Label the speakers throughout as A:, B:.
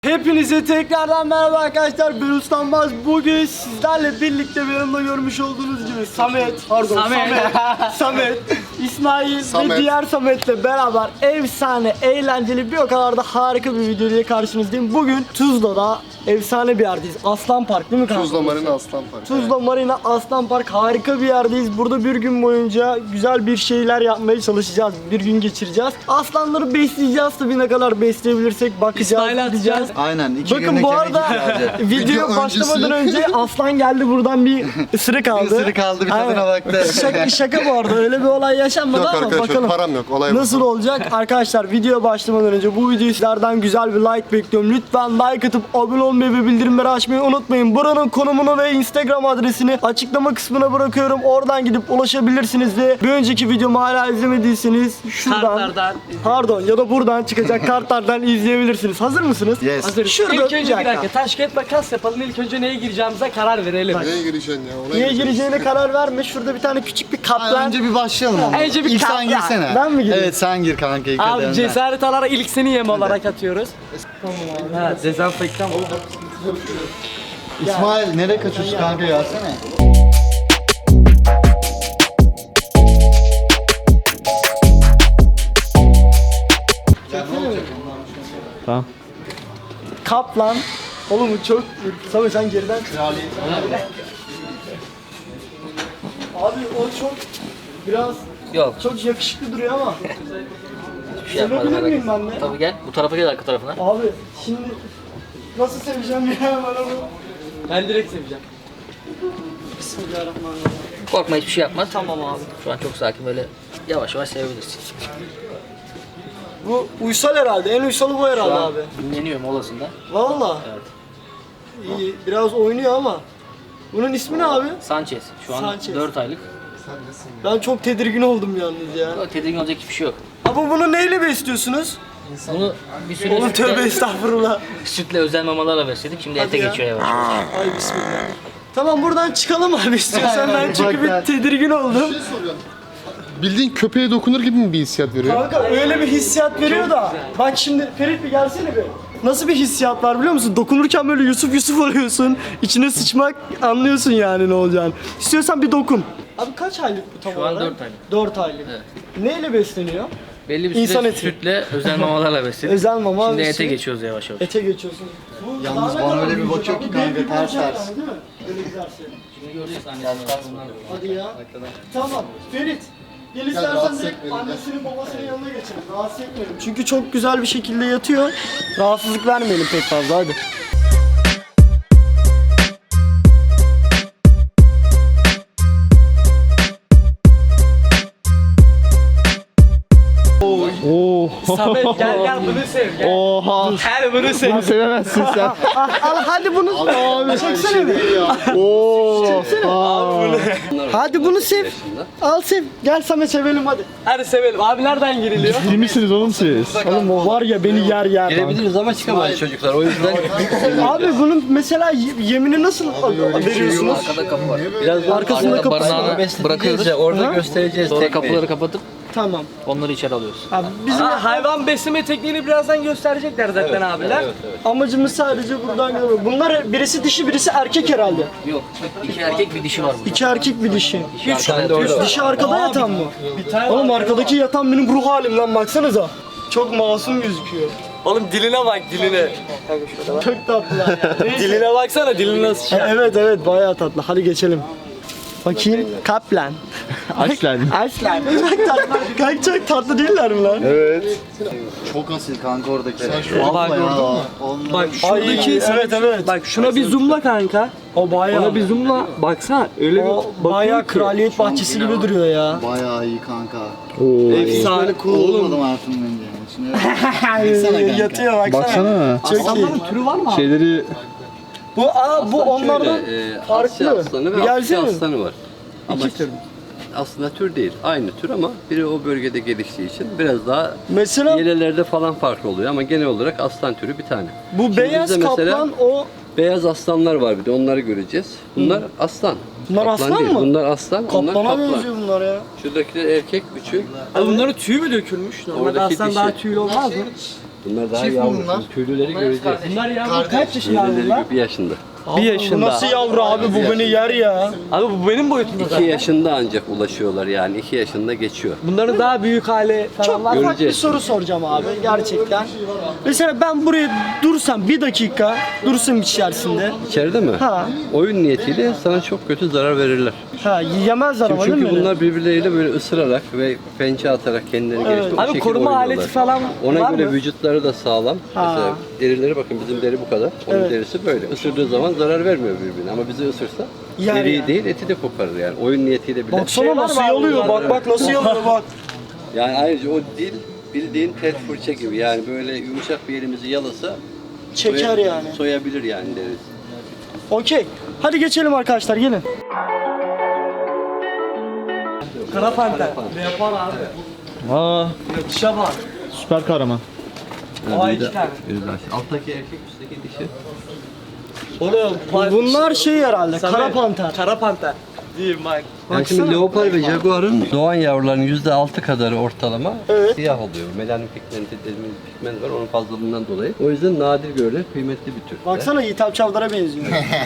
A: Hepinize tekrardan merhaba arkadaşlar, ben Ustanmaz. Bugün sizlerle birlikte bir yanımda görmüş olduğunuz gibi Samet, İsmail ve diğer Samet'le beraber efsane, eğlenceli, bir o kadar da harika bir video ile karşınızdayım. Bugün Tuzla'da efsane bir yerdeyiz. Aslan Park değil mi kanka?
B: Tuzla Marina Aslan Park.
A: Tuzla Marina Aslan Park, harika bir yerdeyiz. Burada bir gün boyunca güzel bir şeyler yapmaya çalışacağız. Bir gün geçireceğiz. Aslanları besleyeceğiz, tabii ne kadar besleyebilirsek bakacağız, gideceğiz.
C: Aynen.
A: Bakın bu arada video başlamadan önce aslan geldi, buradan bir ısırık aldı.
C: Bir ısırık aldı, bir tadına baktı.
A: Şaka bu arada, öyle bir olay yaşanmadı
B: Yok
A: ama
B: arkadaşlar,
A: bakalım
B: param yok, olay
A: nasıl olacak. Arkadaşlar video başlamadan önce bu videoyu sizlerden güzel bir like bekliyorum. Lütfen like atıp abone olmayı ve bildirimleri açmayı unutmayın. Buranın konumunu ve Instagram adresini açıklama kısmına bırakıyorum. Oradan gidip ulaşabilirsiniz ve bir önceki videomu hala izlemediyseniz şuradan, pardon, ya da buradan çıkacak kartlardan izleyebilirsiniz. Hazır mısınız?
C: Yes.
A: Hazır. Şurada
D: İlk önce bir dakika taş kağıt makas yapalım. İlk önce neye gireceğimize karar verelim.
B: Neye gireceksin ya? Ona
A: Niye
B: gireceksin.
A: gireceğine karar verme. Şurada bir tane küçük bir kaplan.
C: Önce bir başlayalım ama.
D: Önce bir
C: İlk sen
D: kaplan.
C: girsene.
A: Ben mi gireyim?
C: Evet, sen gir kanka ilk
D: Abi
C: önden.
D: cesaret alarak ilk seni yem olarak atıyoruz. Tamam abi. Ha, dezenfektan oldu.
C: İsmail nereye kaçıyorsun kanka, gelsene.
A: Kaplan. Oğlum bu çok... Samet sen geriden... Abi o çok... Biraz...
E: Yok.
A: Çok yakışıklı duruyor ama.
E: Bir şey yapmadım.
A: Sevebilir miyim ben de?
E: Tabii gel. Bu tarafa gel, arka tarafına.
A: Abi şimdi... Nasıl seveceğim ya bana bu?
D: Ben direkt seveceğim.
A: Bismillahirrahmanirrahim.
E: Korkma, hiçbir şey yapmaz.
A: Tamam abi.
E: Şu an çok sakin, böyle yavaş yavaş sevebilirsin.
A: Bu uysal herhalde. En uysalı bu herhalde
E: Şu an
A: abi.
E: dinleniyor molasında.
A: Valla.
E: Evet.
A: İyi, biraz oynuyor ama. Bunun ismi ne abi?
E: Sanchez. Şu an
A: Sanchez.
E: 4 aylık.
A: Ben çok tedirgin oldum yalnız ya.
E: Yok, tedirgin olacak hiçbir şey yok.
A: Ama bunu neyle besliyorsunuz?
E: Bunu bir süre
A: Oğlum tövbe estağfurullah.
E: sütle özel mamalarla besledik. Şimdi ete
A: ya.
E: geçiyor yavaş yavaş.
A: Ay bismillah. Tamam, buradan çıkalım abi istiyorsan, ben çünkü bir tedirgin oldum.
B: Bildiğin köpeğe dokunur gibi mi bir hissiyat veriyor?
A: Kanka öyle bir hissiyat veriyor da. Bak şimdi Ferit bir gelsene bir. Nasıl bir hissiyat var biliyor musun? Dokunurken böyle Yusuf oluyorsun. İçine sıçmak, anlıyorsun yani ne olacağını. İstiyorsan bir dokun. Abi kaç aylık bu tam
E: Şu an
A: olarak?
E: 4 aylık.
A: 4 aylık.
E: Evet.
A: Neyle besleniyor?
E: Belli bir
A: İnsan
E: süre
A: eti.
E: sütle özel mamalarla besledik.
A: Özel mama.
E: Şimdi
A: ve
E: ete
A: süt.
E: geçiyoruz yavaş yavaş.
A: Ete geçiyorsun. Bu
C: Yalnız
A: daha ne
C: bana
A: kadar
C: öyle bir
A: büyüyecek
C: bakıyor
A: abi?
C: ki
A: Dev
C: kanka,
A: gibi
C: ters
A: olacak
C: ters.
A: yani, değil mi? Böyle giderse.
E: Şimdi göreceğiz annesinden.
A: Hadi ya. Tamam. Ferit. Gel istersen
B: rahatsız
A: direkt
B: etmeyelim,
A: annesinin babasının yanına geçelim. Rahatsız etmeyelim. Çünkü çok güzel bir şekilde yatıyor. Rahatsızlık vermeyelim pek fazla, hadi.
D: Samet gel bunu sev. Gel.
A: Oha.
D: Gel bunu sev.
A: Sevemezsin sen. Al hadi bunu. Abi çeksene bir. Hadi bunu sev. Al sev. Gel Samet sevelim hadi.
D: Hadi sevelim. Abi nereden giriliyor?
A: İyi misiniz oğlum siz? Oğlum o var ya, beni yer.
E: Girebiliriz ama çıkamayız çocuklar, o yüzden.
A: Abi bunun mesela yemini nasıl veriyorsunuz?
E: Arkada kapı var.
A: Biraz arkasında kapısı var.
E: Barınağını bırakıyoruz.
C: Orada
A: Ha?
C: göstereceğiz.
E: Sonra kapıları kapatıp
A: Tamam.
E: onları içeri alıyoruz.
A: Abi bizim
D: Hayvan besleme tekniğini birazdan gösterecekler zaten abiler.
A: amacımız sadece buradan görmek. Bunlar birisi dişi, birisi erkek herhalde.
E: Yok, 2 erkek bir dişi var burada.
A: 2 erkek bir dişi.
E: Arkada
A: Dişi arkada yatan mı? Oğlum arkadaki yatan benim ruh halim lan, baksanıza. Çok masum gözüküyor.
D: Oğlum diline bak diline.
A: Çok tatlılar ya.
D: Diline baksana, dilin nasıl şey.
A: Evet bayağı tatlı. Hadi geçelim. Bakayım. Kaplan.
C: Aslan.
A: Aslan. Çok tatlı. Kanka çok tatlı değiller mi lan?
C: Çok asil kanka oradaki.
D: Bak
C: ya.
D: Bak
A: Ay,
D: şuradaki
A: evet.
D: Bak şuna bir zoomla kanka.
A: O bayağı.
D: Ona bir zoomla baksana. Öyle
A: O
D: bir
A: bayağı
D: ki.
A: kraliyet bahçesi gibi duruyor ya.
C: Bayağı iyi kanka.
D: Efsane
C: Böyle
D: cool oğlum.
C: olmadım hayatım bence. Şimdi baksana kanka.
A: Yatıyor baksana. Çok iyi.
D: Türü var mı?
F: Şeyleri
A: Bu onlardan farklı.
F: Asya aslanı
A: Bir
F: ve Afrika
A: gelsene.
F: aslanı var. Ama aslında tür değil. Aynı tür ama biri o bölgede geliştiği için biraz daha
A: Mesela
F: yelelerde falan farklı oluyor ama genel olarak aslan türü bir tane.
A: bu
F: Şimdi
A: beyaz
F: bizde mesela
A: kaplan o.
F: beyaz aslanlar var, bir de onları göreceğiz. Bunlar aslan.
A: Bunlar
F: Kaplan
A: aslan
F: değil.
A: mı?
F: Bunlar aslan, onlar
A: Kaplana
F: kaplan.
A: benziyor bunlar ya.
F: Şuradakiler erkek, üçü.
D: Bunların tüyü mü dökülmüş? Normalde
F: Oradaki
D: aslan
F: dişi.
D: daha tüylü olmaz mı?
F: Bunlar daha
B: Çift mi
F: yavru.
B: bunlar?
F: Şimdi tüylüleri göreceğiz.
D: Bunlar yavru kaç yaşında abi
F: Tüylüleri
D: bunlar?
F: 1 yaşında.
D: Bir
A: Bu
D: yaşında.
A: nasıl yavru abi, bu beni yer ya.
D: Abi bu benim boyutumda
F: 2
D: zaten.
F: yaşında ancak ulaşıyorlar yani. 2 yaşında geçiyor.
D: Bunların daha büyük hali falan
A: Çok
D: var.
A: ufak bir
F: Göreceğiz.
A: soru soracağım abi gerçekten. Mesela ben buraya dursam bir dakika dursam içerisinde.
F: İçeride mi?
A: Ha.
F: Oyun niyetiyle sana çok kötü zarar verirler.
A: Ha, yemezler ama değil mi?
F: Çünkü
A: beni?
F: bunlar birbirleriyle böyle ısırarak ve pençe atarak kendilerini geliştirip o
D: Abi
F: şekilde
D: koruma
F: oynuyorlar.
D: aleti falan
F: Ona
D: var
F: göre
D: mı?
F: vücutları da sağlam.
A: Ha.
F: Mesela derileri bakın bizim deri bu kadar. Onun
A: Evet.
F: derisi böyle. Isırdığı zaman zarar vermiyor birbirine ama bizi ısırsa
A: Yer
F: deriyi
A: yani.
F: değil eti de koparır yani. Oyun niyetiyle bile.
A: Baksana
D: var
A: nasıl
D: mı abi
A: yalıyor,
D: bunlarda?
A: bak nasıl yalıyor bak.
F: Yani ayrıca o dil bildiğin pet fırça gibi yani böyle yumuşak bir elimizi yalasa
A: Çeker yani.
F: soyabilir yani derisi.
A: Okey. Hadi geçelim arkadaşlar, gelin.
D: Kara panter. Ne yapar abi?
G: Aa,
D: Yakışa bak.
G: süper kahraman.
D: Aa, iki tane.
F: Alttaki erkek üstteki dişi.
D: Oğlum
A: Bunlar şey herhalde, kara panter.
D: Kara panter. Değil bak.
F: Yani şimdi leopar ve jaguarın doğan yavruların %6 kadarı ortalama
A: Evet.
F: siyah oluyor. Melanin pigmenti dediğimiz pigment var onun fazlalığından dolayı. O yüzden nadir görülen kıymetli bir tür.
A: Baksana Yiğitap Çavdar'a benziyor.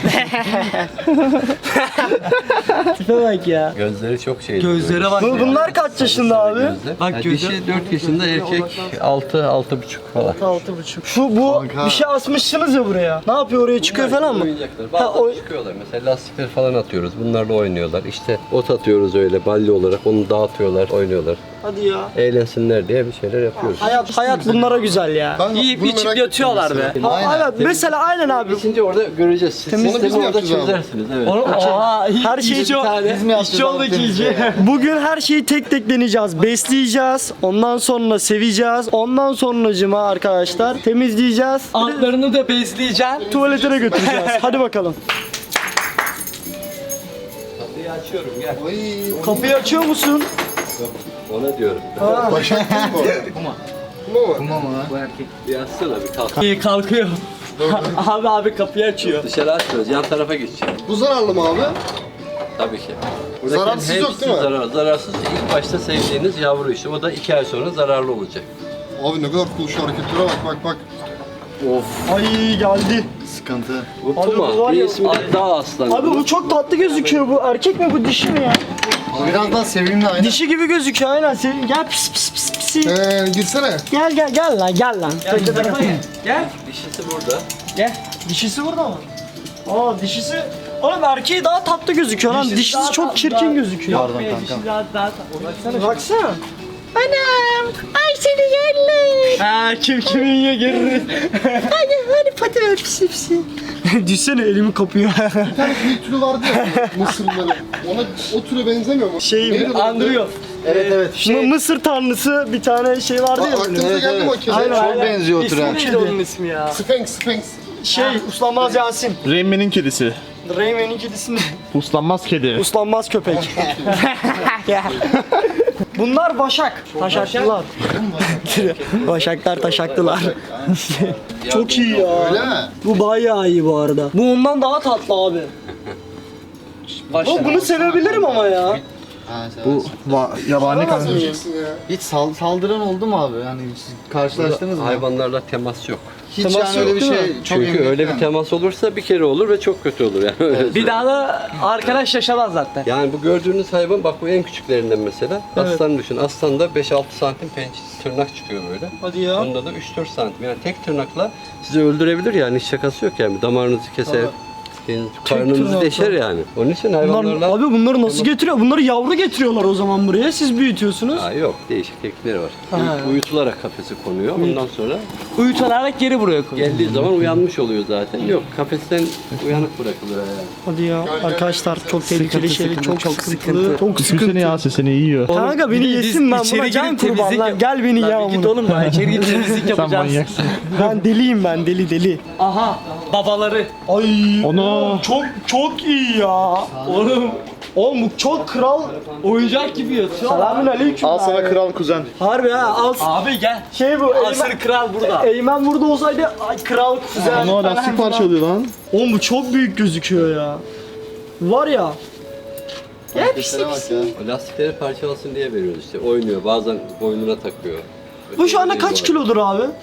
A: Tipe bak ya.
F: Gözleri çok şey.
D: Gözlere bak.
A: Bunlar kaç yaşında abi?
D: Bak
F: Yani
D: gözü-
F: dişi 4 yaşında, erkek 6-6,5 falan.
A: 6,5. Şu bu bir şey asmışsınız ya buraya. Ne yapıyor, oraya çıkıyor falan mı?
F: Oyuncaklar.
A: Ha,
F: Bazen çıkıyorlar. Mesela lastikler falan atıyoruz. Bunlarla oynuyorlar. İşte ot atıyoruz öyle balli olarak. Onu dağıtıyorlar, oynuyorlar.
A: Hadi ya.
F: Eğlensinler diye bir şeyler yapıyoruz.
A: Hayat bunlara güzel ya.
B: Ben
D: Yiyip
B: bunu
D: içip
B: merak
D: yatıyorlar
B: ettim
D: be.
B: mesela.
A: Ha, evet mesela aynen abi.
F: Şimdi orada göreceğiz. Siz
B: Onu biz
F: sistemi
B: mi
F: orada
B: yapacağız abi?
F: çözersiniz. Evet.
A: Her şeyi çok
D: İşçi olduk iyice.
A: Bugün her şeyi tek tek deneyeceğiz. Besleyeceğiz. Ondan sonra seveceğiz. Ondan sonracıma arkadaşlar temizleyeceğiz.
D: Altlarını da bezleyeceksin.
A: Tuvaletine götüreceğiz. Hadi bakalım.
F: Kapıyı açıyorum gel.
A: Kapıyı açıyor musun?
F: Ona diyorum.
B: Başak değil mi o? Kuma mı?
F: Bir açsana bir kalk.
D: İyi kalkıyor. abi kapıyı açıyor.
F: Dışarı açmıyoruz. Yan tarafa geçeceğim.
B: Bu zararlı mı abi?
F: Tabii ki.
B: Zararsız yok değil mi?
F: Zararsız. İlk başta sevdiğiniz yavru işte. O da 2 ay sonra zararlı olacak.
B: Abi ne kadar cool şu hareketlere bak.
A: Ay geldi.
C: Sıkıntı.
F: Bu
A: Abi bu var
F: puma. Bir
A: ya-
F: ismi de dağ aslanı.
A: Abi bu çok tatlı gözüküyor bu. Erkek mi bu, dişi mi ya?
C: Biraz daha sevimli aynen.
A: Dişi gibi gözüküyor aynen. Gel pis pis pis pis.
B: Girsene.
A: Gel lan gel lan.
D: Gel.
F: Dişisi burada.
A: Dişisi burada mı? Aa dişisi. Oğlum erkeği daha tatlı gözüküyor lan. Dişisi çok çirkin gözüküyor.
C: Pardon kankam.
A: Baksana. Anam. Ay seni yerler. Ha kim yiyor geri. hadi pati pisi pisi. Düşsene elimi kapıyor.
B: Bir türü vardı ya Mısırlıların. Ona o türe benzemiyor mu?
A: Şey
B: Neydi lan?
A: andırıyor.
C: Evet.
A: Mısır tanrısı bir tane şey vardı ya.
B: Aklınıza geldi mi o kedi?
A: Aynen.
C: Çok benziyor o türe.
D: Neydi onun ismi ya?
B: Sphinx.
A: Şey uslanmaz Yasin.
G: Rayman'in kedisi.
A: Rayman'in kedisini
G: Uslanmaz kedi.
A: uslanmaz köpek. Bunlar başak. Taşaklılar. Başaklar taşaklılar. Çok iyi ya.
B: Öyle mi?
A: Bu bayağı iyi bu arada. Bu ondan daha tatlı abi. Ama bunu sevebilirim ama ya.
C: Bu
G: Yabani
A: Alamaz mıyım?
B: Diyeceksin ya.
C: hiç saldıran oldu mu abi? Yani siz karşılaştınız mı?
F: Hayvanlarla temas yok.
C: Hiç
A: Temas
C: yani öyle
A: yok,
C: bir
A: değil
C: şey
A: mi?
C: çok
F: Çünkü
C: emin
F: öyle bir
C: değilim.
F: temas olursa bir kere olur ve çok kötü olur yani. Öyle
D: Bir daha da arkadaş yaşamaz zaten.
F: Yani bu gördüğünüz hayvan bak bu en küçüklerinden mesela.
A: Evet.
F: Aslan düşün. Aslanda 5-6 santim tırnak çıkıyor böyle.
A: Hadi ya.
F: Bunda da 3-4 santim. Yani tek tırnakla sizi öldürebilir yani. Hiç şakası yok yani. Damarınızı keser. Karnınızı
A: tırnakla.
F: deşer yani. Onun için
A: Bunlar,
F: hayvanlarla...
A: abi bunları nasıl getiriyor? Bunları yavru getiriyorlar o zaman buraya. Siz büyütüyorsunuz.
F: Aa, yok değişik teknikleri var.
A: Ha.
F: Uyutularak kafese konuyor. Ondan sonra
D: Uyutularak geri buraya koy.
F: geldiği zaman uyanmış oluyor zaten. Yok kafesten uyanık bırakılır yani.
A: Hadi ya. Arkadaşlar çok tehlikeli şeyler. Çok sıkıntılı.
D: sıkıntı.
A: Çok
G: Düşünsene
A: sıkıntı.
G: ya seni yiyor.
A: Kanka beni
D: Bir de biz
A: yesin ben
D: içeri
A: buna can
D: girip
A: kurban
D: temizlik
A: lan.
D: yap-
A: Gel beni
D: Lan
A: ya
D: bir git
A: bunu.
D: oğlum ya içeri gidip temizlik
G: Sen
D: yapacağız.
G: manyaksın.
A: Ben deliyim ben deli.
D: Aha babaları.
A: Ay
G: Onu-
A: çok iyi ya. Oğlum bu çok kral.
D: Oyuncak gibi yatıyor.
A: Selamün aleyküm.
G: Al sana kral kuzen.
A: Harbi ha al.
D: Abi gel.
A: Şey bu
D: Asır kral burada.
A: Eymen burada olsaydı ay, kral kuzen.
G: Onu lastik parçalıyor lan.
A: Oğlum bu çok büyük gözüküyor ya. Var ya.
C: Hareketlere bak ya.
F: O lastikleri parçalasın diye veriyoruz işte. Oynuyor. Bazen boynuna takıyor.
A: Bu şu anda kaç
F: Var.
A: kilodur abi?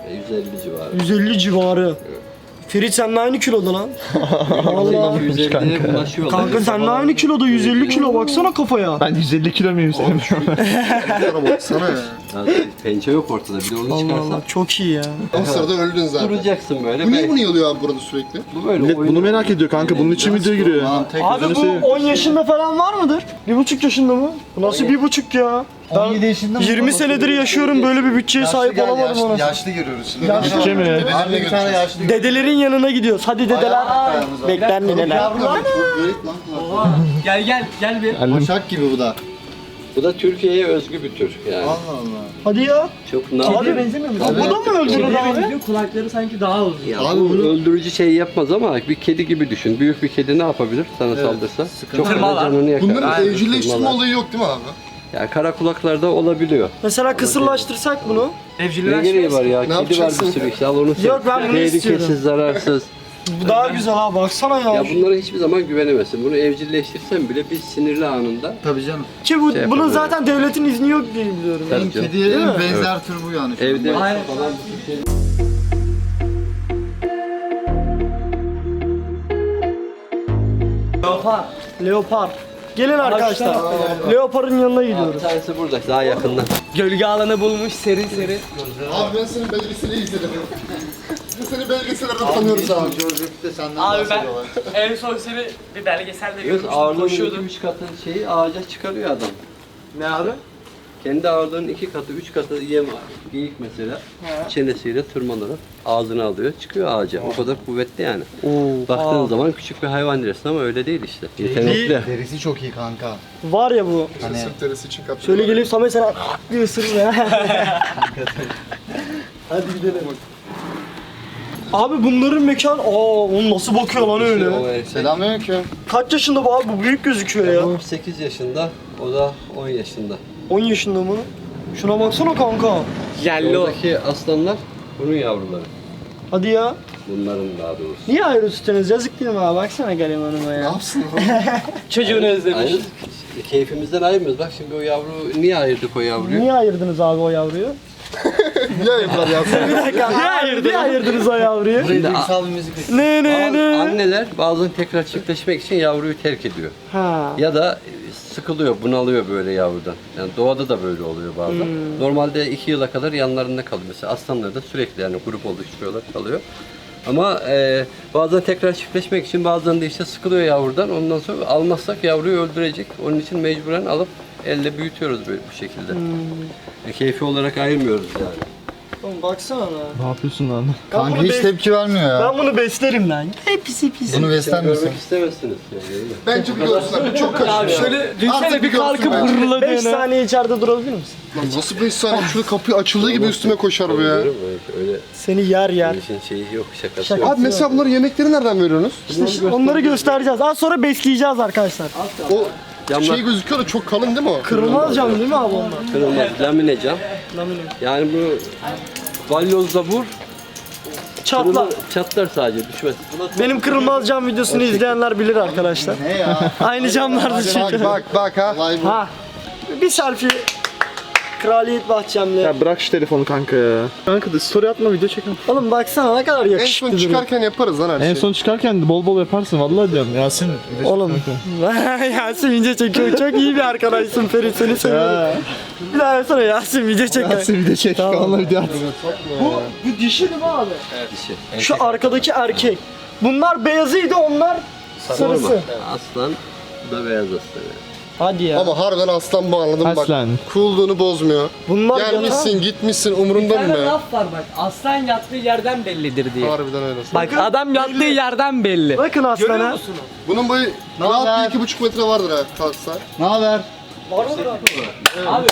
F: 150 civarı.
A: 150 civarı. Ferit seninle aynı kiloda lan. Allah.
F: 150'ye bulaşıyorlar.
A: Kanka seninle aynı kiloda 150 kilo baksana kafaya.
G: Ben 150 kilo muyum senin?
B: Sana baksana ya.
F: Pençe yok ortada, bir de onu
A: Allah
F: çıkarsan
A: Allah çok iyi ya.
B: O sırada öldün zaten.
F: duracaksın böyle.
B: Bu niye bunu yalıyor abi burada sürekli?
F: Bu böyle
G: Millet bunu merak ediyor kanka. Bunun için video giriyor.
A: Abi bu 10 yaşında falan var mıdır? 1,5 yaşında mı? Bu nasıl 1,5 ya?
C: 17 yaşında mı?
A: 20 senedir yaşıyorum böyle bir bütçeye sahip olamadım ona.
C: Yaşlı görüyoruz şimdi.
G: Bütçe mi?
C: Abi bir tane yaşlı.
A: Dedelerin yanına gidiyoruz. Hadi dedeler. Bekler neneler.
B: Bu garip lan.
D: Gel bir.
C: Başak gibi bu da.
F: Bu da Türkiye'ye özgü bir tür yani.
C: Allah Allah.
A: Hadi ya.
F: Çok
A: Abi
F: nadir.
A: benzemiyor mu? Bu da mı öldürür abi?
D: Kulakları sanki daha uzun.
F: Ya
C: Abi
F: bu
C: bunu-
F: öldürücü şey yapmaz ama bir kedi gibi düşün. Büyük bir kedi ne yapabilir sana saldırsa? Çok fazla canını yakar.
B: Bunların evcilleştirme
F: Tırmalar.
B: olayı yok değil mi abi?
F: Ya kara kulaklarda olabiliyor.
A: Mesela kısırlaştırsak bunu.
F: Ne gereği var ya? Kedi var
B: yapacaksın?
F: bir sürü işte al onu sev.
A: Yok, ben bunu
F: Tehlikesiz,
A: istiyorum.
F: zararsız.
A: Bu daha güzel ha baksana ya.
F: Ya bunlara hiçbir zaman güvenemezsin. Bunu evcilleştirsen bile bir sinirli anında
C: Tabii canım.
A: Ki bu,
F: şey
A: bunun
F: yapabilir.
A: zaten devletin izni yok diye biliyorum.
F: Tabii canım.
C: Kediye en benzer tür bu yani.
F: Evde
D: Aynen.
F: falan
A: Leopar. Gelin arkadaşlar. Leopar'ın yanına
F: bir
A: gidiyoruz.
F: tanesi burada daha yakından.
D: Gölge alanı bulmuş serin serin.
B: Abi ben senin belgeseli izledim. Biz seni belgesellerde tanıyoruz abi.
C: George'de senden
D: Abi ben
C: bahsediyorlar.
D: en son seni bir belgeselde
F: Göz
D: görmüştüm.
F: ağırlığının
D: Koşuyordun.
F: 2-3 katı şeyi ağaca çıkarıyor adam.
D: Ne abi?
F: Kendi ağırlığının 2 katı, 3 katı yem var. Geyik mesela çenesiyle tırmanarak ağzına alıyor, çıkıyor ağaca. O kadar kuvvetli yani. Baktığın zaman küçük bir hayvan dersin ama öyle değil işte. Yetenekli.
C: Derisi çok iyi kanka.
A: Var ya bu.
C: Hani
B: Sırt derisi için kapıyor.
A: Şöyle gelip Samet sana bir ısırır ya. Hadi gidelim. Abi bunların mekan, onu nasıl bakıyor lan öyle?
F: O erkek.
C: selamünaleyküm.
A: Kaç yaşında bu abi? Bu büyük gözüküyor ya.
F: Bu 8 yaşında, o da 10 yaşında.
A: 10 yaşında mı? Şuna baksana kanka.
D: Yerli o.
F: Oradaki aslanlar bunun yavruları.
A: Hadi ya.
F: Bunların daha doğrusu.
A: Niye ayrı tutuyorsunuz? Yazık değil mi abi? Baksana garibanıma
B: Ne
A: ya.
B: yapsın?
D: Çocuğunu özlemiş.
F: Aynı keyfimizden ayırmıyoruz. Bak şimdi o yavru, niye ayırdık o yavruyu?
A: Niye ayırdınız abi o yavruyu?
B: Niye ayıplar ya?
A: Bir dakika. Niye ayırdınız o yavruyu?
C: Burayı duygusal bir müzik.
A: Ne ne.
F: Anneler bazen tekrar çiftleşmek için yavruyu terk ediyor.
A: Ha.
F: Ya da sıkılıyor, bunalıyor böyle yavrudan. Yani doğada da böyle oluyor bazen. Normalde 2 yıla kadar yanlarında kalıyor. Mesela aslanlar da sürekli yani grup oluşturuyorlar, kalıyor. Ama bazen tekrar çiftleşmek için bazen de işte sıkılıyor yavrudan. Ondan sonra almazsak yavruyu öldürecek. Onun için mecburen alıp elde büyütüyoruz böyle bu şekilde. Keyfi olarak ayırmıyoruz yani.
A: Oğlum baksana lan.
G: Ne yapıyorsun lan?
C: Kanka
A: bunu
C: hiç tepki vermiyor ya.
A: Ben bunu beslerim lan. Pisi pisi.
C: Bunu besler misin?
F: Görmek istemezsiniz yani, değil mi?
B: Bence bir görsünler. Bu çok kaçıyor.
D: Şöyle düşünsene
B: Artık
D: bir kalkıp
B: görsün bence.
A: 5
D: hırladığını.
A: saniye içeride durabilir misin?
B: Lan nasıl 5 saniye? Şurada kapı açıldığı gibi üstüme koşar bu ya.
F: Görüyorum, öyle
A: Seni yer yer.
F: bir işin şeyi yok, şakası
A: Şaka.
F: yok.
B: Abi mesela bunların yemekleri nereden veriyorsunuz?
A: İşte onları göstereceğiz. Az sonra besleyeceğiz arkadaşlar.
B: O
F: Camlar
B: şey gözüküyor da çok kalın değil mi o?
A: Kırılmaz cam değil mi abi onlar?
F: kırılmaz, lamine cam.
A: Lamine.
F: Yani bu balyozla vur,
A: Çatla.
F: çatlar sadece, düşmez. Buna
A: Benim kırılmaz cam videosunu izleyenler bilir arkadaşlar.
C: Ne ya?
A: Aynı camlardı çünkü.
B: Bak ha.
C: Olay bu.
A: Ha. Bir selfie. Kraliyet bahçemle.
G: Ya bırak şu telefonu kanka ya. Kanka da story atma, video çekin.
A: Oğlum baksana ne kadar
B: En
A: yakışıklı
B: son
A: duruyor.
B: çıkarken yaparız lan her şeyi.
G: En son çıkarken bol bol yaparsın vallahi diyorum. Yasin.
A: Oğlum. Yasin video çekiyor. Çok iyi bir arkadaşsın Ferit, seni seviyorum.
G: Ya.
A: Bir daha yapsana Yasin video çek.
G: Yasin video çek.
A: Tamam.
G: Vallahi video at.
A: Bu dişi değil mi abi?
F: dişi.
A: Şu arkadaki erkek. Bunlar beyazıydı, onlar sarısı.
F: Aslan, bu da beyaz aslan yani.
A: Hadi ya.
B: Ama harbiden aslan bu anladın mı bak.
G: Aslan.
B: Coolluğunu bozmuyor.
A: Bunlar
B: Gelmişsin gitmişsin umurunda mı
D: Bir tane
B: be?
D: laf var bak. Aslan yattığı yerden bellidir diye.
B: Harbiden öyle.
D: Bak adam yattığı yerden belli.
A: Bakın
D: Görüyor
A: aslana.
D: musunuz?
B: Bunun boyu
C: haber?
B: rahat bir 2,5 metre vardır ha kalksa.
C: Ne haber?
A: Var mıdır abi?
D: Abi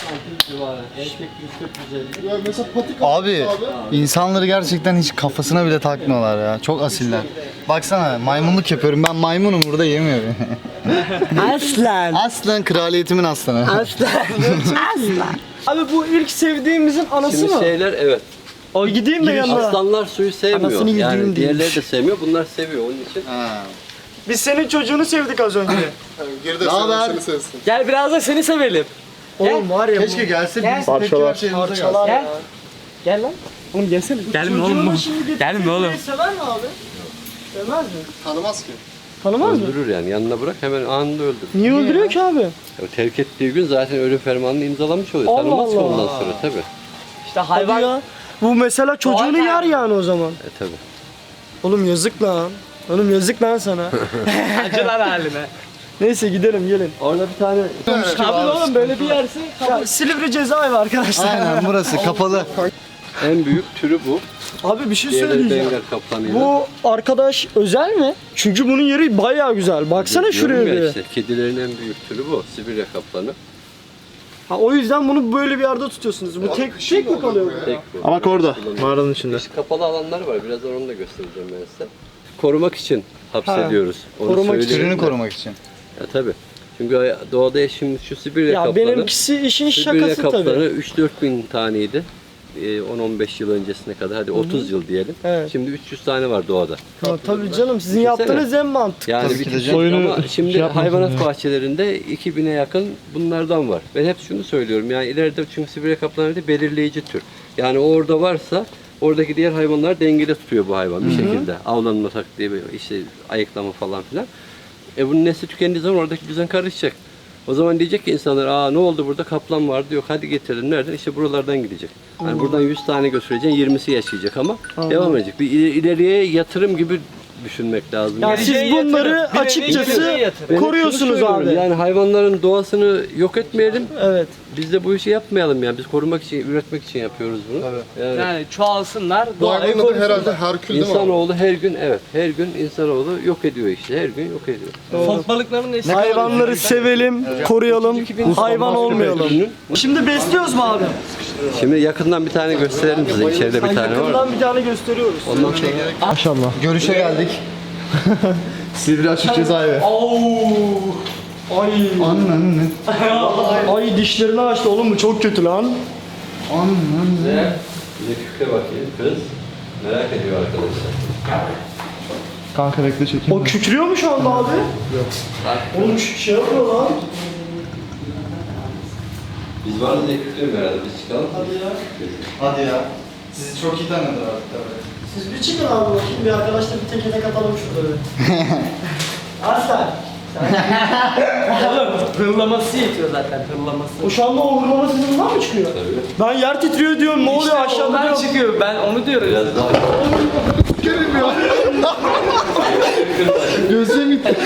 F: Erkek 140-150.
B: Ya mesela patik
C: Abi insanları gerçekten hiç kafasına bile takmıyorlar ya. Çok asiller. Baksana maymunluk yapıyorum. Ben maymunum burada yemiyorum.
A: Aslan.
C: Aslan kraliyetimin aslanı.
A: Aslan. Aslan. Abi bu ilk sevdiğimizin anası
F: Şimdi
A: mı?
F: şeyler evet.
A: O gideyim de yanına.
F: Aslanlar suyu sevmiyor.
A: Anasını yediğim
F: Yani
A: değil.
F: diğerleri de sevmiyor. Bunlar seviyor onun için.
C: Ha.
A: Biz senin çocuğunu sevdik az önce.
B: geride
C: haber?
B: seni sevsin.
D: gel biraz da seni sevelim.
A: Oğlum var ya
C: Keşke gelse birisi tepki
G: Parçalar.
C: verse yanımıza gelse.
A: parçalar
D: Gel.
A: ya.
D: Gel lan. Oğlum gelsene. Gelme oğlum.
A: Çocuğunu şimdi getirse
D: Gelme oğlum.
A: Sever mi abi? Sevmez mi?
B: Tanımaz ki.
A: Tanımaz mı?
F: Öldürür yani. Yanına bırak hemen anında öldürür.
A: Niye öldürüyor ki abi?
F: Ya terk ettiği gün zaten ölüm fermanını imzalamış oluyor.
A: Allah
F: Tanımaz ki
A: Allah.
F: ondan sonra tabii.
D: İşte
A: Hadi
D: hayvan.
A: ya. Bu mesela çocuğunu
D: Doğal
A: yer yani o zaman.
F: Tabii.
A: Oğlum yazık lan. Oğlum yazık lan sana.
D: Acılar haline.
A: Neyse gidelim gelin.
F: Orada bir tane
A: Abi oğlum böyle bir yerse. Ya, Silivri cezaevi arkadaşlar.
C: Aynen burası kapalı.
F: en büyük türü bu.
A: Abi bir şey
F: Diğerleri
A: söyleyeceğim.
F: Bengal kaplanıyla.
A: Bu arkadaş özel mi? Çünkü bunun yeri bayağı güzel. Baksana şuraya
F: Diyorum ya
A: bir.
F: işte, kedilerin en büyük türü bu. Sibirya kaplanı.
A: Ha, o yüzden bunu böyle bir yerde tutuyorsunuz. Bu tek mi kalıyor burada?
F: Tek bu.
G: Ama orada. Mağaranın içinde.
F: İşte kapalı alanlar var. Birazdan onu da göstereceğim ben size. Korumak için hapsediyoruz. Onu
A: Korumak için.
F: söyleyeyim
C: Türünü
F: de.
C: korumak için.
F: Ya tabii. Çünkü doğada şimdi şu Sibirya
A: Ya
F: kaplanı.
A: benimkisi işin
F: Sibirya
A: şakası
F: kaplanı
A: tabii.
F: 3-4 bin taneydi. 10-15 yıl öncesine kadar, hadi 30 yıl diyelim.
A: Evet.
F: Şimdi 300 tane var doğada.
A: Ha, tabii canım sizin
F: Düşünsene.
A: yaptığınız en mantıklı.
F: Yani
C: Tabii
F: bir
C: ki de
F: çeşit
G: soyunu
F: ama şimdi
G: şey yapmasın
F: hayvanat
G: ya.
F: bahçelerinde 2000'e yakın bunlardan var. Ben hep şunu söylüyorum, yani ileride çünkü Sibirya kaplanı da belirleyici tür. Yani orada varsa oradaki diğer hayvanlar dengede tutuyor bu hayvan bir şekilde. Avlanma taktiği, işte ayıklama falan filan. Bunun nesli tükendiği zaman oradaki düzen karışacak. O zaman diyecek ki insanlar, aa ne oldu burada, kaplan vardı, yok hadi getirelim, nereden? İşte buralardan gidecek. Yani buradan 100 tane götüreceksin, 20'si yaşayacak ama devam edecek. Bir ileriye yatırım gibi düşünmek lazım.
A: Ya
F: Yani
A: siz
D: Geleceğe
A: bunları
D: yatırım. Bir
A: açıkçası
D: geleceğe yatırım.
F: ben hep şunu
A: koruyorsunuz
F: söylüyorum,
A: abi.
F: yani hayvanların doğasını yok etmeyelim.
A: Evet.
F: Biz de bu işi yapmayalım yani. Biz korumak için, üretmek için yapıyoruz bunu. Yani
D: Yani çoğalsınlar.
B: Bu
D: Doğayı
B: hayvanın adı
D: korusunlar.
B: herhalde Herkül değil mi? abi?
F: insanoğlu her gün, evet, her gün insanoğlu yok ediyor işte. Her gün yok ediyor.
D: Fok balıklarının nesli.
A: Hayvanları sevelim, koruyalım, hayvan olmayalım.
F: Ürünün-
A: Şimdi besliyoruz mu abi?
F: Şimdi yakından bir tane gösterelim size. İçeride bir tane var.
A: Yakından bir tane gösteriyoruz.
F: Ondan sonra
G: Maşallah.
C: Görüşe geldik.
G: Silivri Açık Cezaevi.
A: Ay.
C: Ananı.
A: Ay dişlerini açtı oğlum bu çok kötü lan.
C: Ananı.
F: bize kükre bakayım. Kız merak ediyor arkadaşlar.
G: Kanka bekle çekeyim.
A: O kükrüyor mu şu anda abi? Yok. Oğlum şey yapıyor lan.
F: Biz varız diye kükrüyorum herhalde. Biz çıkalım.
A: Hadi ya.
C: Hadi ya. Sizi çok iyi tanıdılar artık tabii.
A: Siz bir çıkın abi bakayım bir arkadaşla bir teke tek atalım şurada bir. Aslan.
D: Oğlum hırlaması yetiyor zaten hırlaması.
A: O şu anda o hırlama sesinden mi çıkıyor?
F: Tabii.
A: Ben yer titriyor diyorum ne oluyor
D: İşte
A: aşağıda
D: onlar
A: diyorum.
D: çıkıyor ben onu diyorum.
F: Biraz daha
B: Gözüm gitti.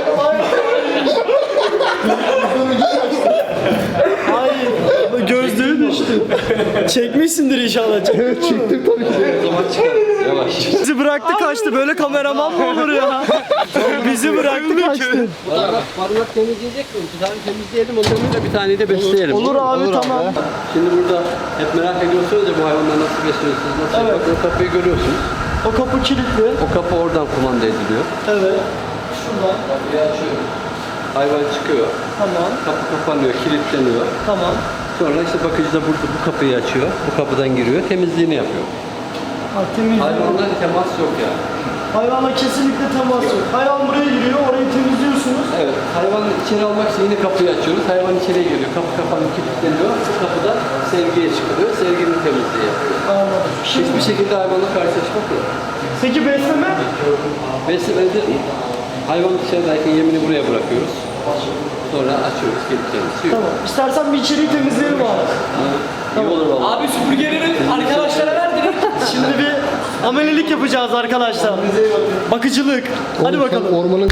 A: Ay gözlüğü düştü. Çekmişsindir inşallah. Evet çektim tabii ki.
F: o zaman çıkar. Yavaş.
A: Bizi bıraktı kaçtı böyle kameraman mı olur ya? Bizi bıraktı kaçtı.
F: Barınak temizleyecek mi? Bir tane temizleyelim, ondan sonra bir tane de besleyelim.
A: Olur abi
C: Olur
A: tamam.
C: abi.
F: Şimdi burada hep merak ediyorsunuz ya bu hayvanlar nasıl besliyorsunuz, nasıl
A: Evet.
F: yapıyorsunuz? O kapıyı görüyorsunuz.
A: O kapı kilitli.
F: O kapı oradan kumanda ediliyor.
A: Evet. Şuradan.
F: Kapıyı açıyoruz. Hayvan çıkıyor.
A: Tamam.
F: Kapı kapanıyor, kilitleniyor.
A: Tamam.
F: Sonra işte bakıcı da burada bu kapıyı açıyor. Bu kapıdan giriyor, temizliğini yapıyor.
A: Ha, temiz.
F: Hayvanlarla temas yok yani.
A: Hayvanla kesinlikle temas yok. Hayvan buraya giriyor, orayı temizliyorsunuz.
F: Evet, hayvanı içeri almak için yine kapıyı açıyoruz. Hayvan içeriye giriyor, kapı kapanıyor, kilitleniyor. Bu kapıda sevgiye çıkılıyor, sevginin temizliği yapıyor.
A: Anladım.
F: Hiçbir şekilde hayvanla karşılaşmak yok.
A: Peki besleme?
F: Beslemede hayvan dışarıdayken yemini buraya bırakıyoruz. Sonra açıyoruz, kilitleniyoruz.
A: Tamam. İstersen bir içeriği temizleyelim abi.
F: İyi olur vallahi.
D: Abi süpürgeleri arkadaşlara ver direkt.
A: Şimdi bir amelelik yapacağız arkadaşlar. Bakıcılık. Hadi
B: Oğlum sen
A: bakalım.
B: ormanın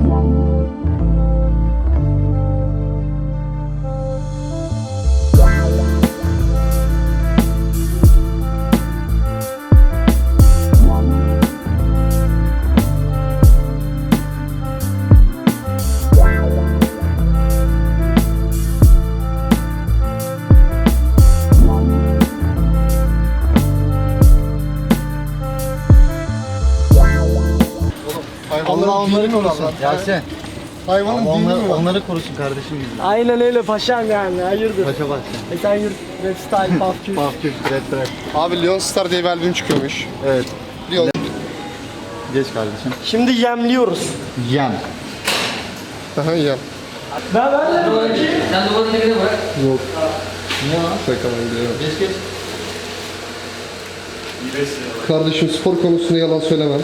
C: Allah
B: hayvanların
C: onları
B: dini mi
C: korusun.
B: orası?
C: Yasin.
B: Hayvanın dini mi var?
C: Onları korusun kardeşim bizim.
A: Aynen öyle paşam yani. Hayırdır?
C: Paşa başla.
A: Sen yurt rap style puff cute.
C: Mahkum, red.
B: Abi Leon Star diye bir albüm çıkıyormuş.
C: Evet.
B: Leon.
C: Geç kardeşim.
A: Şimdi yemliyoruz.
C: Yem.
B: Aha ya.
A: Ben de bakayım.
E: Sen duvarın dibine bırak.
B: Şaka ben biliyorum.
E: Geç geç.
B: Kardeşim spor konusunda yalan söylemem.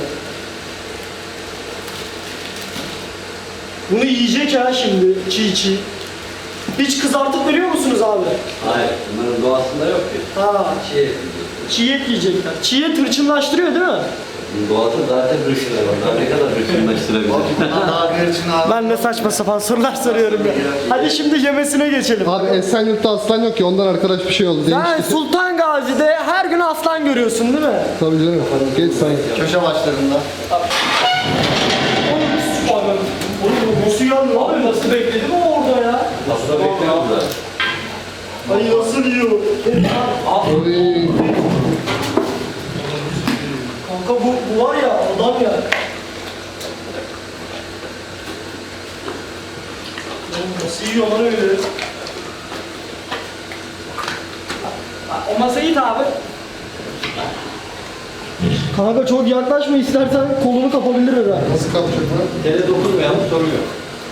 A: Bunu yiyecek ha şimdi çiğ çiğ. Hiç kızartıp veriyor musunuz abi?
F: Hayır, bunların doğasında yok ki.
A: Ha,
F: Şey,
A: çiğ et yiyecekler. Çiğ et hırçınlaştırıyor değil mi?
F: doğada zaten hırsına var. Daha ne kadar hırsınlaştırabilir?
C: Daha bir için abi.
A: Ben ne saçma sapan sorular soruyorum ya. Hadi şimdi yemesine geçelim.
B: Abi Esenyurt'ta aslan yok ki ondan arkadaş bir şey oldu.
A: Sen
B: Değişti.
A: Sultan Gazi'de her gün aslan görüyorsun değil mi?
B: Tabii canım. Geç sen.
C: Köşe başlarında.
A: Oğlum nasıl yandı abi? Nasıl bekledim o orada ya?
F: Aslında bekliyorlar.
A: Ay nasıl yiyor?
B: Oy.
A: Kanka bu var ya adam ya. Oğlum nasıl yiyor lan öyle?
D: O masayı it abi.
A: Kanka çok yaklaşma istersen kolunu kapabilir herhalde.
B: Nasıl kapacak lan?
F: Tele dokunmayan sorun yok.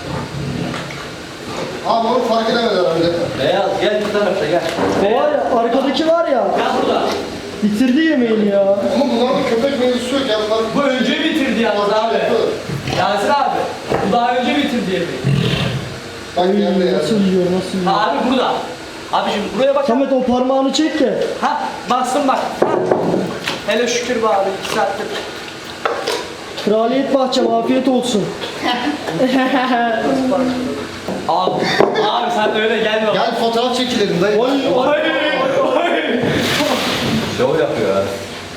B: Abi onu fark edemedi herhalde.
F: Beyaz gel bu tarafta gel.
A: O var ya arkadaki var ya.
F: Gel burada.
A: Bitirdi yemeğini ya.
B: Ama bunlarda köpek mevzusu yok ya. Bunlar
D: Bu önce bitirdi yalnız abi. Yasir abi. Bu daha önce bitirdi yemeği.
B: Bak geldi ya.
A: Nasıl yiyor nasıl yiyor?
D: Ha abi burada. Abicim buraya bak.
A: Samet o parmağını çek ki.
D: Ha bastım bak. Ha. Hele şükür be abi 2 saattir.
A: Kraliyet bahçem afiyet olsun.
D: Abi, abi sen öyle gelme.
C: Gel fotoğraf çekilelim dayı.
F: Şov yapıyor ha.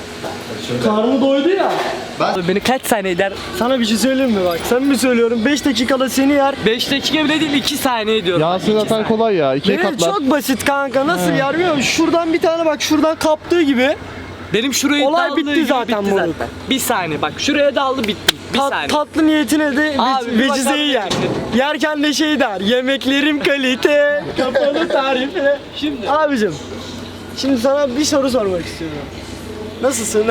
A: Karnı doydu ya.
D: Beni kaç saniye eder?
A: Sana bir şey söyleyeyim mi bak? Sen mi söylüyorum? 5 dakikada seni yer.
D: 5 dakika bile değil 2 saniye diyorum.
G: Yasin zaten kolay ya. İkiye
A: Benim
G: katlar.
A: çok basit kanka. Nasıl yer biliyor musun? Şuradan bir tane bak şuradan kaptığı gibi.
D: Benim şurayı
A: Olay
D: daldığı
A: bitti
D: gibi
A: zaten
D: bitti
A: moruk.
D: zaten. Bir saniye bak şuraya daldı bitti. Bir saniye.
A: Tatlı niyetine de
D: Abi, bir
A: vecizeyi
D: bakar
A: yer.
D: mısın?
A: Yerken de şey der. Yemeklerim kalite. Kapalı tarife.
D: Şimdi
A: Abicim. Şimdi sana bir soru sormak istiyorum. Nasılsın?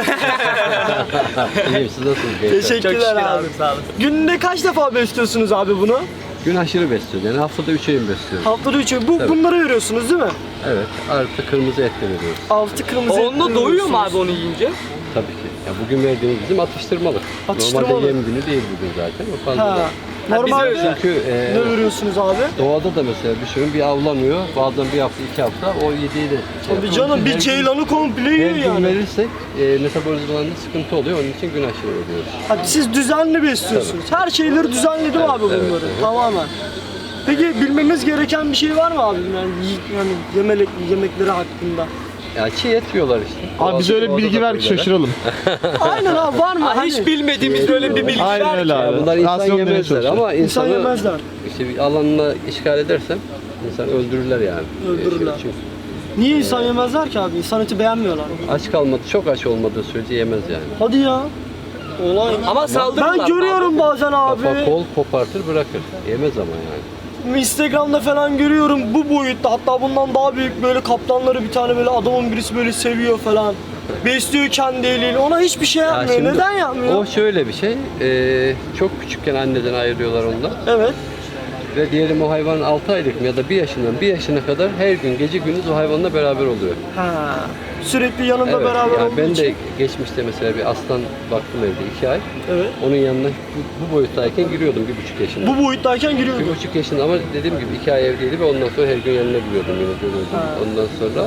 F: İyiyim siz nasılsınız gençler?
A: Teşekkürler abi.
D: sağ olasın.
A: Günde kaç defa besliyorsunuz abi bunu?
F: Gün aşırı besliyoruz. Yani haftada 3 öğün besliyoruz.
A: Haftada 3 bu
F: Tabii.
A: bunları veriyorsunuz değil mi?
F: Evet. Artı kırmızı et de veriyoruz.
A: Altı kırmızı
D: Onunla
A: etleri
D: doyuyor mu
A: veriyorsunuz.
D: abi onu yiyince?
F: Tabii ki. Ya bugün verdiğimiz bizim atıştırmalık.
A: Atıştırmalık.
F: Normalde yem günü değil bugün zaten. O fazla.
A: Ha. Normalde
F: Çünkü
A: ne veriyorsunuz abi?
F: doğada da mesela düşünün bir avlanıyor. Bazen bir hafta 2 hafta o yediği de şey
A: Tabii
F: yapıyor.
A: canım
F: Her
A: bir
F: gün-
A: ceylanı komple
F: Her
A: yiyor
F: gün
A: yani.
F: verirsek metabolizmalarında sıkıntı oluyor. Onun için gün aşırı veriyoruz.
A: Hadi siz düzenli besliyorsunuz. Her şeyleri düzenli değil mi abi bunları?
F: evet.
A: Tamamen. Peki bilmemiz gereken bir şey var mı abi? Yani yemekleri hakkında.
F: Ya çiğ et yiyorlar işte.
G: Abi bize öyle bir bilgi ver ki şaşıralım.
A: Aynen abi var mı?
D: Aa, hiç
A: Hani
D: bilmediğimiz böyle bir bilgi
G: Aynen
D: var
G: öyle
D: ki.
G: abi.
F: Bunlar insan
G: Rasyon demeye
F: yemezler
G: çalışıyor.
F: ama
A: İnsan
F: insanı
A: yemezler.
F: işte bir alanına işgal edersem insan öldürürler yani.
A: Öldürürler.
F: Çünkü
A: Niye insan yemezler ki abi? İnsan eti beğenmiyorlar.
F: aç kalmadı, çok aç olmadığı sürece yemez yani.
A: Hadi ya. Olay.
D: Ama saldırırlar.
A: Ben görüyorum bazen abi.
F: Kafa kol kopartır bırakır. Yemez ama yani.
A: Instagram'da falan görüyorum bu boyutta, hatta bundan daha büyük böyle kaplanları, bir tane böyle adamın birisi böyle seviyor falan. Besliyor kendi eliyle. Ona hiçbir şey
F: Ya
A: yapmıyor.
F: şimdi
A: Neden yapmıyor?
F: O şöyle bir şey. Çok küçükken anneden ayırıyorlar ondan.
A: Evet.
F: Ve diyelim o hayvan 6 aylık mı ya da 1 yaşından 1 yaşına kadar her gün gece gündüz o hayvanla beraber oluyor.
A: Ha. Sürekli yanında
F: Evet,
A: beraber
F: yani
A: olduğu
F: ben
A: için.
F: de geçmişte mesela bir aslan baktım evde 2 ay.
A: Evet.
F: Onun yanına bu boyuttayken giriyordum 1,5 yaşında.
A: Bu boyuttayken giriyordu.
F: 1,5 yaşında ama dediğim gibi 2 ay evdeydi ve ondan sonra her gün yanına giriyordum yine görüyordum. Ondan sonra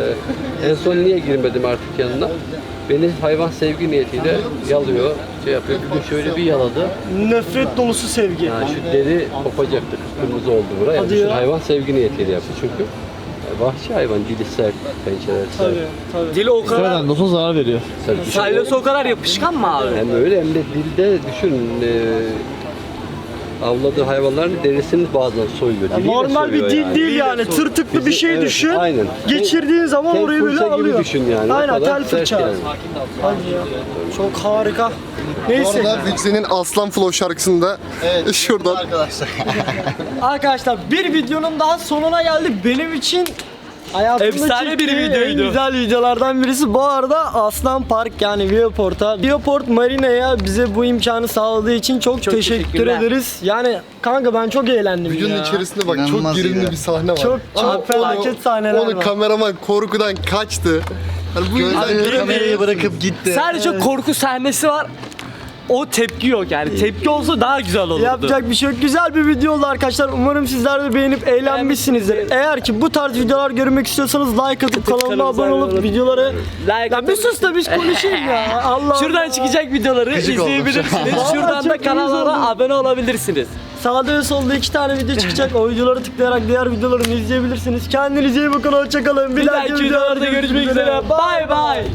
F: en son niye girmedim artık yanına? Beni hayvan sevgi niyetiyle yalıyor, şey yapıyor. Bir gün şöyle bir yaladı.
A: Nefret dolusu sevgi.
F: Yani şu deri kopacaktı, kırmızı oldu buraya.
A: Hadi
F: Düşün,
A: ya.
F: hayvan sevgi niyetiyle yaptı çünkü. Vahşi hayvan, dili sert, pençeleri sert.
A: Tabii, tabii.
D: Dili o kadar.
G: Sıradan olsa zarar veriyor.
F: Sert.
D: Salyası o kadar yapışkan mı abi?
F: Hem öyle hem de dilde düşün, avladığı hayvanların derisini bazen soyuyor.
A: Ya
F: Diliyle
A: normal bir
F: soyuyor
A: dil
F: yani.
A: değil yani. Tırtıklı bir şey
F: Evet,
A: düşün.
F: aynen.
A: Geçirdiğin zaman
F: Tel
A: orayı böyle
F: fırça gibi
A: alıyor.
F: düşün yani. O
A: Aynen
F: kadar
A: tel
F: sert
A: fırça.
F: yani.
A: Hadi ya. Çok harika.
B: Bu
A: Neyse.
B: arada Vixen'in Aslan Flow şarkısında şuradan
C: Arkadaşlar.
A: Arkadaşlar bir videonun daha sonuna geldik. Benim için hayatımda
D: Efsane bir
A: çektiğim
D: videoydu.
A: en güzel videolardan birisi. Bu arada Aslan Park yani Viewport Marina'ya bize bu imkanı sağladığı için çok teşekkür
D: teşekkürler.
A: ederiz. Yani kanka ben çok eğlendim
B: videonun
A: ya.
B: içerisinde bak
C: İnanılmaz
B: çok gerilimli
C: iyi.
B: bir sahne var.
A: Çok
B: Ama
A: felaket sahneler
B: onu
A: var.
B: kameraman korkudan kaçtı. Hani bu yüzden
C: Abi kamerayı bırakıp gitti.
D: Sadece korku sahnesi var. O tepki yok yani. Tepki olsa daha güzel olurdu.
A: Yapacak bir şey yok. Güzel bir video oldu arkadaşlar. Umarım sizler de beğenip eğlenmişsinizdir. Eğer ki bu tarz videolar görmek istiyorsanız like atıp kanalıma abone olup videoları...
D: Like
A: Ya bir sus da biz konuşayım ya. Allah
D: Şuradan
A: Allah.
D: çıkacak videoları
C: Gıcık oldum.
D: izleyebilirsiniz.
A: Vallahi
D: Şuradan da
A: çok uyuz oldum.
D: kanallara abone olabilirsiniz.
A: Sağda ve solda 2 tane video çıkacak. O videoları tıklayarak diğer videolarını izleyebilirsiniz. Kendinize iyi bakın. Hoşçakalın.
D: Bir dahaki videolarda görüşmek üzere. Bay bay.